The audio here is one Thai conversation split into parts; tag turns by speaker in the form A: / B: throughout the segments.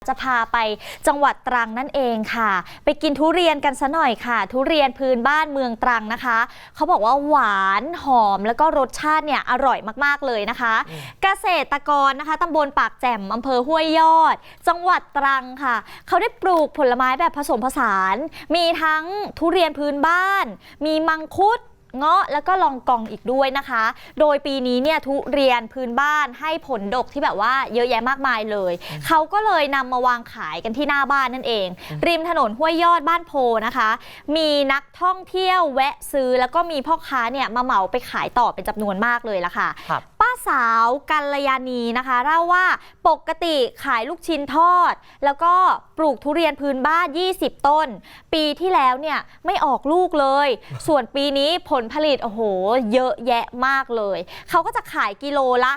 A: จะพาไปจังหวัดตรังนั่นเองค่ะไปกินทุเรียนกันซะหน่อยค่ะทุเรียนพื้นบ้านเมืองตรังนะคะเขาบอกว่าหวานหอมแล้วก็รสชาติเนี่ยอร่อยมากๆเลยนะคะเกษตรกรนะคะตำบลปากแจ่มอำเภอห้วยยอดจังหวัดตรังค่ะเขาได้ปลูกผลไม้แบบผสมผสานมีทั้งทุเรียนพื้นบ้านมีมังคุดเงาะแล้วก็ลองกองอีกด้วยนะคะโดยปีนี้เนี่ยทุเรียนพื้นบ้านให้ผลดกที่แบบว่าเยอะแยะมากมายเลยเขาก็เลยนำมาวางขายกันที่หน้าบ้านนั่นเองริมถนนห้วยยอดบ้านโพนะคะมีนักท่องเที่ยวแวะซื้อแล้วก็มีพ่อค้าเนี่ยมาเหมาไปขายต่อเป็นจำนวนมากเลยล่ะค่ะป้าสาวกัลยาณีนะคะเล่าว่าปกติขายลูกชิ้นทอดแล้วก็ปลูกทุเรียนพื้นบ้าน20ต้นปีที่แล้วเนี่ยไม่ออกลูกเลยส่วนปีนี้ผลผลิตโอ้โหเยอะแยะมากเลยเขาก็จะขายกิโลละ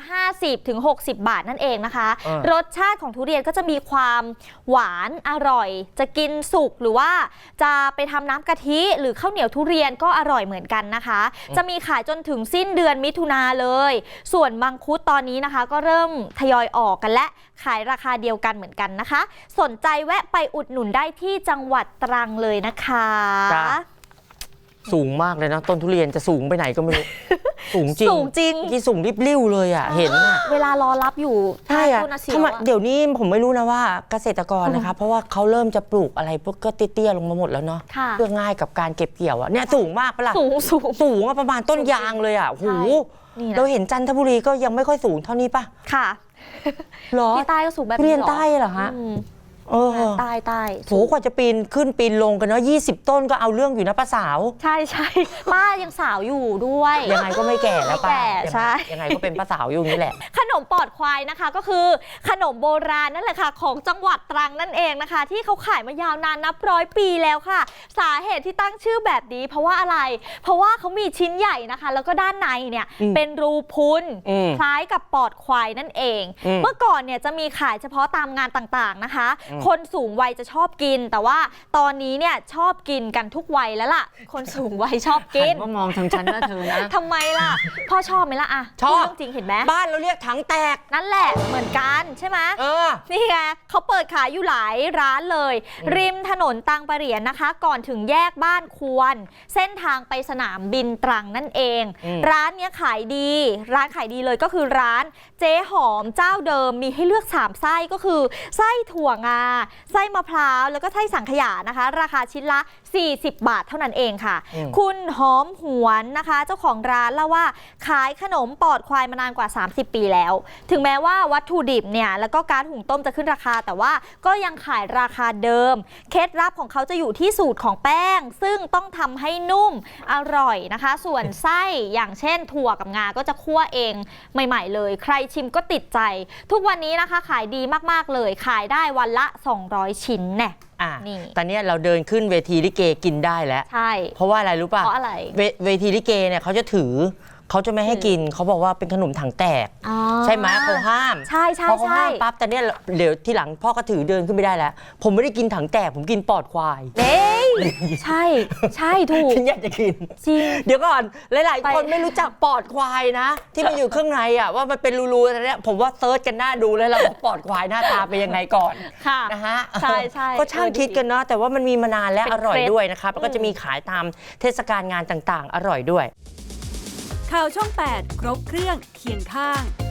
A: 50-60 บาทนั่นเองนะคะรสชาติของทุเรียนก็จะมีความหวานอร่อยจะกินสุกหรือว่าจะไปทำน้ำกะทิหรือข้าวเหนียวทุเรียนก็อร่อยเหมือนกันนะคะจะมีขายจนถึงสิ้นเดือนมิถุนาเลยส่วนมังคุดตอนนี้นะคะก็เริ่มทยอยออกกันและขายราคาเดียวกันเหมือนกันนะคะสนใจแวะไปอุดหนุนได้ที่จังหวัดตรังเลยนะคะ
B: สูงมากเลยนะต้นทุเรียนจะสูงไปไหนก็ไม่รู้ สูงจริง
A: สูงจริง
B: ที่สูงริบลิ่วเลยอ่ะเห็นอ่ะ
A: เวลารอรับอยู่
B: ใช่อ่ะทำไมเดี๋ยวนี้ผมไม่รู้นะว่าเกษตรกรนะคะเพราะว่าเขาเริ่มจะปลูกอะไรพวกก็เตี้ยๆลงมาหมดแล้วเนาะเพื่อง่ายกับการเก็บเกี่ยวอ่ะเนี่ยสูงมากปะล่ะสูงประมาณต้นยางเลยอ่ะโหเราเห็นจันทบุรีก็ยังไม่ค่อยสูงเท่านี้ป่ะ
A: ค่ะ
B: หรอ
A: ที่ใต้ก็สูงแบบนี้
B: เรียนใต้เหรอฮะ
A: ใต้
B: โหกว่าจะปีนขึ้นปีนลงกันเนาะ20ต้นก็เอาเรื่องอยู่นะป้าสาว
A: ใช่ป้ายังสาวอยู่ด้วย
B: ยังไงก็ไม่แก่แล้วป้า
A: ใช่
B: ยังไงก็เป็นป้าสาวอยู่นี่แหละ
A: ขนมปอดควายนะคะก็คือขนมโบราณนั่นแหละค่ะของจังหวัดตรังนั่นเองนะคะที่เขาขายมายาวนานนับ100 ปีแล้วค่ะสาเหตุที่ตั้งชื่อแบบนี้เพราะว่าอะไรเพราะว่าเขามีชิ้นใหญ่นะคะแล้วก็ด้านในเนี่ยเป็นรูพุนคล้ายกับปอดควายนั่นเองเมื่อก่อนเนี่ยจะมีขายเฉพาะตามงานต่างๆนะคะคนสูงวัยจะชอบกินแต่ว่าตอนนี้เนี่ยชอบกินกันทุกวัยแล้วล่ะคนสูงวัยชอบกิน
B: ก็มองทางฉันนะเธอนะ
A: ทำไมล่ะพ่อชอบไหมล่ะ
B: ชอบ
A: จริงเห็นไหม
B: บ้านเราเรียกถังแตก
A: นั่นแหละเหมือนกันใช่ไหมนี่ไงเขาเปิดขายอยู่หลายร้านเลยริมถนนตังประเหรียญนะคะก่อนถึงแยกบ้านควรเส้นทางไปสนามบินตรังนั่นเองร้านนี้ขายดีร้านขายดีเลยก็คือร้านเจ๊หอมเจ้าเดิมมีให้เลือก3ไส้ก็คือไส้ถั่วงาไส้มะพร้าวแล้วก็ไส้สังขยานะคะราคาชิ้นละ40 บาทเท่านั้นเองค่ะคุณหอมหวนนะคะเจ้าของร้านเล่าว่าขายขนมปอดควายมานานกว่า30 ปีแล้วถึงแม้ว่าวัตถุดิบเนี่ยแล้วก็ก๊าซหุงต้มจะขึ้นราคาแต่ว่าก็ยังขายราคาเดิมเคล็ดลับของเขาจะอยู่ที่สูตรของแป้งซึ่งต้องทำให้นุ่มอร่อยนะคะส่วนไส้อย่างเช่นถั่วกับงาก็จะคั่วเองใหม่ๆเลยใครชิมก็ติดใจทุกวันนี้นะคะขายดีมากๆเลยขายได้วันละ200 ชิ้นแน่
B: นี่ตอนนี้เราเดินขึ้นเวทีลิเกกินได้แล้ว
A: ใช่
B: เพราะว่าอะไรรู้ป่ะ
A: เพราะอะไร
B: เวทีลิเกเนี่ยเขาจะถือเขาจะไม่ให้กินเขาบอกว่าเป็นขนมถังแตกใช่ไหมเขาห้าม
A: ใช่
B: พอเขาห้ามปั๊บแต่เนี่ยเดี๋ยวที่หลังพ่อก็ถือเดินขึ้นไม่ได้แล้วผมไม่ได้กินถังแตกผมกินปอดควาย
A: ใช่ถูก
B: ฉันอยากจะกิน
A: จริง
B: เดี๋ยวก่อนหลายๆคนไม่รู้จักปอดควายนะที่มันอยู่ข้างในอ่ะว่ามันเป็นรูๆอะไรเนี่ยผมว่าเซิร์ชกันหน้าดูเลยแล้วว่าปอดควายหน้าตาเป็นยังไงก่อนนะฮะ
A: ใช่
B: ก็ช่างคิดกันเนาะแต่ว่ามันมีมานานและอร่อยด้วยนะครับแล้วก็จะมีขายตามเทศกาลงานต่างๆอร่อยด้วย
C: ข่าวช่อง 8 ครบเครื่องเคียงข้าง